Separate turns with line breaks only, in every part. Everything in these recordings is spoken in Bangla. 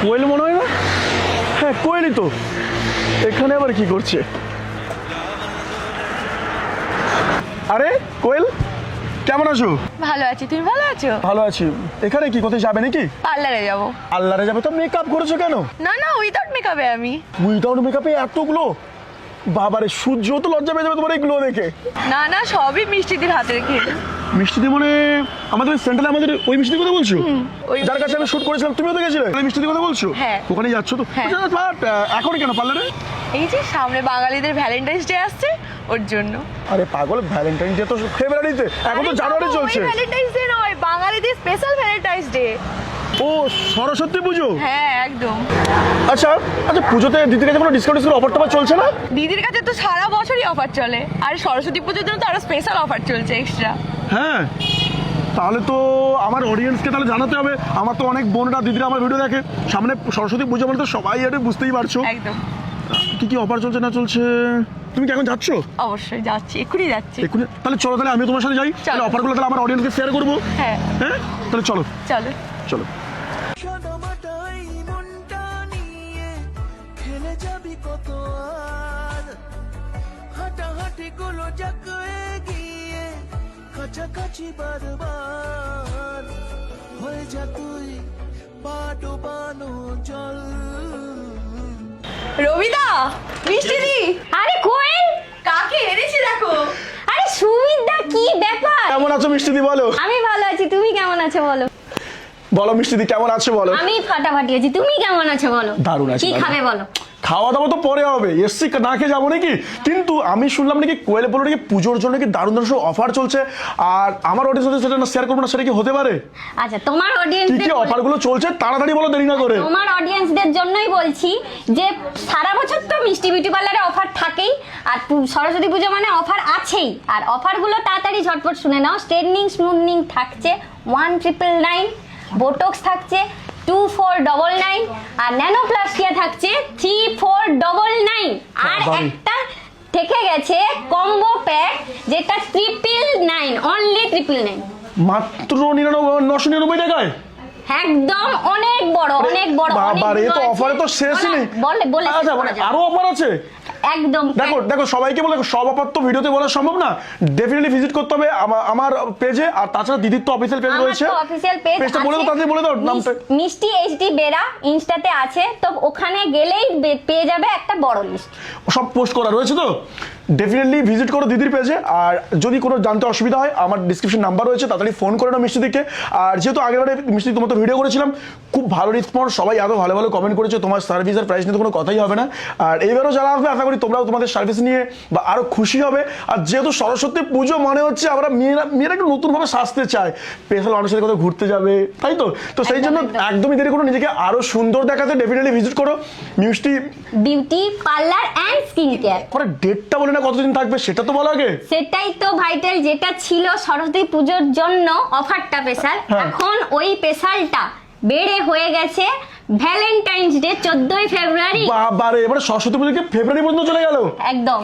কোয়েল মনে হয় না? হ্যাঁ কোয়েলই তো। এখানে আবার কি করছে? আরে কোয়েল, কেমন আছো?
ভালো আছি, তুমি ভালো আছো?
ভালো আছি। এখানে কি, কোথায় যাবে নাকি?
পার্লারে যাব।
আল্লাহরে যাবে তো? মেকআপ করেছো কেন?
না না, উইদাউট মেকআপে আমি।
উইদাউট মেকআপে এতগুলো? বাবারে, সূর্য তো লজ্জা পেয়ে যাবে তোমার এইগুলো দেখে।
না না, সবই মিষ্টিদির হাতে রেখে।
মিষ্টিদি মানে আমাদের সেন্টারে আমাদের ওই মিষ্টির কথা বলছো?
ওই
যার কাছে আমি শুট করেছিলাম, তুমিও তো গেছিলে ওই মিষ্টির কথা বলছো?
হ্যাঁ।
ওখানে যাচ্ছ তো?
হ্যাঁ।
বাট এখন কেন পার্লারে?
এই যে সামনে বাঙালিদের ভ্যালেন্টাইন্স ডে আসছে, ওর জন্য।
আরে পাগল, ভ্যালেন্টাইন ডে তো ফেব্রুয়ারিতে, এখন তো জানুয়ারি চলছে।
ভ্যালেন্টাইন্স ডে নয়, বাঙালিদের স্পেশাল ভ্যালেন্টাইন্স ডে।
ও সরস্বতী পুজো।
হ্যাঁ একদম।
আচ্ছা আচ্ছা, পুজোতে দিদির কাছে কোনো ডিসকাউন্ট অফার টফার চলছে না?
দিদির কাছে তো সারা বছরই অফার চলে, আর সরস্বতী পুজোর জন্য তো আরো স্পেশাল অফার চলছে এক্সট্রা।
হ্যাঁ, তাহলে তো আমার অডিয়েন্সকে তাহলে জানাতে হবে। আমার তো অনেক বোনরা দিদিরা আমার ভিডিও দেখে। সামনে সরস্বতী পুজো মানে তো সবাই এটা বুঝতেই পারছো
একদম।
কি কি অফার চলছে না চলছে। তুমি কি এখন যাচ্ছ?
অবশ্যই যাচ্ছি, এক্ষুনি যাচ্ছি।
এক্ষুনি? তাহলে চলো, তাহলে আমি তোমার সাথে যাই। তাহলে অফারগুলো তাহলে আমার অডিয়েন্সকে শেয়ার করবো।
হ্যাঁ
হ্যাঁ, তাহলে চলো
চলো।
চলো।
সাদামাটাই মনটা নিয়ে খেলে যাবি কত আর হাঁটাহাঁটি গুলো জাগে গিয়ে কাছাকাছি বারবার হয়ে যা তুই পা ডোবানো জল।
রবিদা, মিষ্টিদি।
আরে কোয়েল,
কাকে এনেছি দেখো।
আরে সুমিতদা, কি ব্যাপার?
কেমন আছো মিষ্টিদি? বলো।
আমি ভালো আছি, তুমি কেমন আছো বলো?
বলো মিষ্টিদি, কেমন আছো বলো।
আমি ফাটাফাটি আছি, তুমি কেমন আছো বলো?
দারুণ আছি,
কি
দারুণ।
খাবে বলো?
খাওয়া দাওয়া তো পরে হবে, এসছি না খেয়ে যাবো নাকি? কিন্তু আমি শুনলাম নাকি কোয়েলে বলো নাকি পুজোর জন্য কি দারুণ দারুণ অফার চলছে, আর আমার অডিয়েন্স সেটা না শেয়ার করবো না, সেটা কি হতে পারে?
আচ্ছা, তোমার
কি
অডিয়েন্সদের
কি অফারগুলো চলছে তাড়াতাড়ি বলো, দেরি না করে।
তোমার অডিয়েন্সদের জন্যই বলছি যে সারা বছর তো মিষ্টি বিউটি পার্লারে অফার থাকেই, আর সরস্বতী পুজো মানে অফার আছেই। আর অফারগুলো তাড়াতাড়ি ঝটপট শুনে নাও। স্ট্রেটনিং স্মুথনিং থাকছে 1999, বোটক্স থাকছে 2499, আর ন্যানোপ্লাস্টিয়া থাকছে 3499, আর
বাবারে।
একটা থেকে গেছে কম্বো প্যাক যেটা 999, অনলি 999।
মাত্র 999 টাকায়?
একদম অনেক বড়, অনেক বড়।
বাবারে, এ তো অফারে তো শেষই নেই।
বলে
আচ্ছা, মানে আরো অফার আছে?
একদম।
দেখো দেখো, সবাইকে বলে সব অফার তো ভিডিওতে বলা সম্ভব না। ডেফিনেটলি ভিজিট করতে হবে আমার পেজে, আর তাছাড়া দিদির তো অফিসিয়াল পেজ রয়েছে।
অফিসিয়াল পেজ
পেজটা বলে দাও, তাড়াতাড়ি বলে দাও নামটা।
মিষ্টি এইচডি বেরা ইনস্টাতে আছে, তো ওখানে গেলেই পেয়ে যাবে একটা বড় লিস্ট।
সব পোস্ট করা রয়েছে তো। ডেফিনেটলি ভিজিট করো দিদির পেজে। আর যদি কোনো জানতে অসুবিধা হয়, আমার ডিসক্রিপশন নাম্বার রয়েছে, তাড়াতাড়ি ফোন করে নাও মিষ্টিদিকে। আর যেহেতু আগেরবারে মিষ্টি তোমার তো ভিডিও করেছিলাম, খুব ভালো রেসপন্স, সবাই আরও ভালো ভালো কমেন্ট করেছে। তোমার সার্ভিস আর প্রাইস নিয়ে তো কোনো কথাই হবে না। আর এবারও যারা আসবে, আশা করি তোমরাও তোমাদের সার্ভিস নিয়ে বা আরও খুশি হবে। আর যেহেতু সরস্বতী পুজো মানে হচ্ছে আমরা মেয়েরা একটু নতুনভাবে সাজতে চায়, স্পেশাল মানুষের কোথাও ঘুরতে যাবে, তাই তো? তো সেই জন্য একদমই দেরি করো, নিজেকে আরও সুন্দর দেখাতে ডেফিনেটলি ভিজিট করো Mishti
beauty parlour and skin care.
পরে ডেটটা বলে না কতদিন থাকবে, সেটা তো বলো আগে।
সেটাই তো ভাইটাল, যেটা ছিল সরস্বতী পুজোর জন্য অফারটা স্পেশাল,
হ্যাঁ।
এখন ওই স্পেশালটা বেড়ে হয়ে গেছে ভ্যালেন্টাইন্স ডে 14ই ফেব্রুয়ারি।
বাবারে, এবারে সরস্বতী পুজোকে ফেব্রুয়ারি পর্যন্ত চলে গেল।
একদম।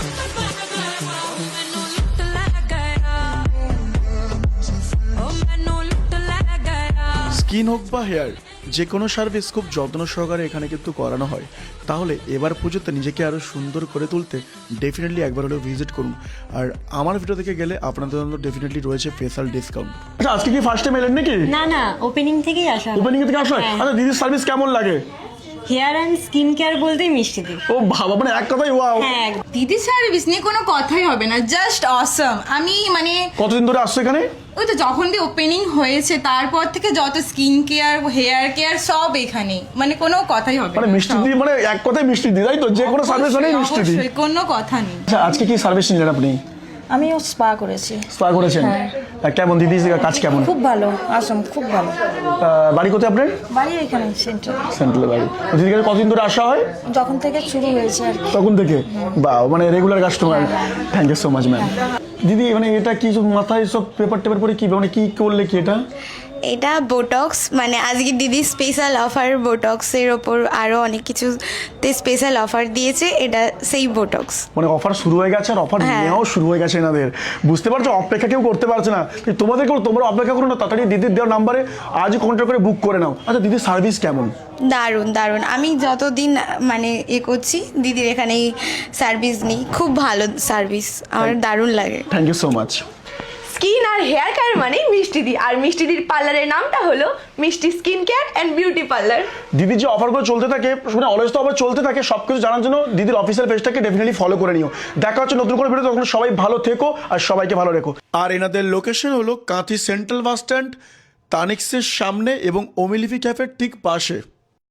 স্কিন হোক বা হেয়ার, যে কোনো সার্ভিস খুব যত্ন সহকারে এখানে কিন্তু করানো হয়। তাহলে এবার পুজোতে নিজেকে আরও সুন্দর করে তুলতে ডেফিনেটলি একবার হলেও ভিজিট করুন। আর আমার ভিডিও থেকে গেলে আপনাদের জন্য ডেফিনেটলি রয়েছে স্পেশাল ডিসকাউন্ট। আচ্ছা, আজকে কি ফার্স্ট টাইম এলেন নাকি?
না না, ওপেনিং থেকেই আসা।
ওপেনিং থেকে আসলে? আচ্ছা, দিদির সার্ভিস কেমন লাগে?
হেয়ার অ্যান্ড স্কিন কেয়ার বলতেই মিষ্টি দি।
ও বাবা, মানে এক কথাই ওয়াও।
হ্যাঁ,
দিদি সার্ভিস নিয়ে কোনো কথাই হবে না, জাস্ট অসম। আমি মানে
কতদিন ধরে আসছো এখানে?
ওই তো যখন দিয়ে ওপেনিং হয়েছে তারপর থেকে যত স্কিন কেয়ার হেয়ার কেয়ার সব এখানে, মানে কোনো কথাই হবে
মানে
না,
মিষ্টি
সব।
দি, মানে এক কথাই মিষ্টি দি, তাই তো? যে কোনো সার্ভিস মানে মিষ্টি দি।
অবশ্যই, কোনো কথা নেই।
আচ্ছা, আজকে কি সার্ভিস নিলেন আপনি?
আমিও স্পা করেছি।
স্পা করেছেন? কেমন দিদি কাজ কেমন?
খুব ভালো, আসম খুব ভালো।
বাড়ি কোথায় আপনার?
বাড়ি এখানে সেন্টার।
সেন্ট্রাল বাড়ি। দিদির কাছে কতদিন ধরে আসা হয়?
যখন থেকে শুরু হয়েছে আর কি।
তখন থেকে? বা মানে regular customer. Thank you so much ma'am. দিদি, মানে এটা কি সব মাথায় সব পেপার টেপার পরে কি, মানে কি করলে কি এটা?
এটা বোটক্স, মানে আজকে দিদি স্পেশাল অফার বোটক্সের ওপর আরও অনেক কিছুতে স্পেশাল অফার দিয়েছে, এটা সেই বোটক্স।
মানে অফার শুরু হয়ে গেছে আর অফার
হ্যাঁ।
নেওয়াও শুরু হয়ে গেছে এনাদের, বুঝতে পারছো? অপেক্ষা কেউ করতে পারছে না। তোমাদেরকেও তোমরা অপেক্ষা করো না, তাড়াতাড়ি দিদির দেওয়ার নাম্বারে আজই কন্ট্যাক্ট করে বুক করে নাও। আচ্ছা দিদির সার্ভিস কেমন?
দারুণ দারুণ, আমি যতদিন মানে করছি দিদির এখানেই সার্ভিস নিই, খুব ভালো সার্ভিস, আমার দারুণ লাগে।
Thank you so much.
Skin আর হেয়ার কেয়ার মানে মিষ্টিদি, আর মিষ্টিদির পার্লারের নামটা হলো Mishti skin care and beauty parlour.
দিদির যে অফারগুলো চলতে থাকে, মানে অলওয়েজ তো অফার চলতে থাকে, সব কিছু জানার জন্য দিদির অফিসিয়াল পেজটাকে ডেফিনেটলি ফলো করে নিও। দেখা হচ্ছে নতুন করে ভিডিও, তখন সবাই ভালো থেকো আর সবাইকে ভালো রেখো। আর এনাদের লোকেশন হলো কাঁথি সেন্ট্রাল বাস স্ট্যান্ড, তানিক্সের সামনে এবং ওমিলিফি ক্যাফের ঠিক পাশে।